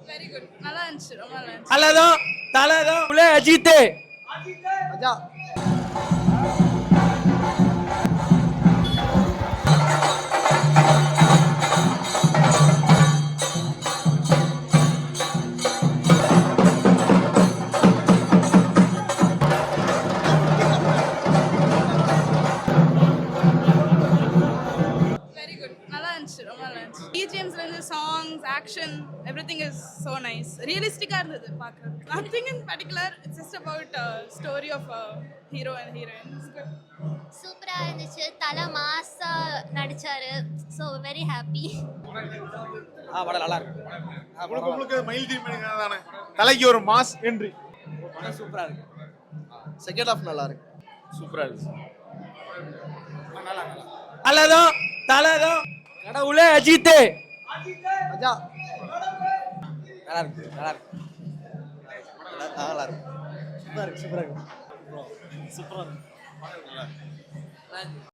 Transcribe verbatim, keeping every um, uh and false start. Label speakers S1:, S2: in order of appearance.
S1: Very good. நல்லா இருந்துச்சு. ரொம்ப நல்லா இருந்துச்சு.
S2: தலதோ தலதோ உலே அஜித்
S3: மஜா.
S1: Very good. நல்லா இருந்துச்சு. ரொம்ப நல்லா இருந்துச்சு. பிஜிஎம்ஸ்ல இருந்து songs, action, everything is so nice. ரியலிஸ்டிக்கா இருந்தது பார்க்கிறது. Nothing in particular. It's just about story of hero and heroine. It's good.
S4: சூப்பரா இருந்துச்சு. தல மாசா நடிச்சாரு. So very happy.
S2: ஆ படம் நல்லா இருக்கு.
S5: முழுக்க முழுக்க மயில் டீம் தானே. தலைக்கு ஒரு மாஸ் என்ட்ரி.
S2: படம் சூப்பரா இருக்கு.
S3: செகண்ட் ஹாஃப் நல்லா இருக்கு.
S5: சூப்பரா இருக்கு.
S2: தலதோ தலதோ கடவுளே அஜித்
S3: மஜா.
S2: நல்லா இருக்கு. நல்லா இருக்கு.
S3: நல்லா இருக்கு.
S2: சூப்பரா இருக்கு. சூப்பரா இருக்கு. சூப்பரா இருக்கு.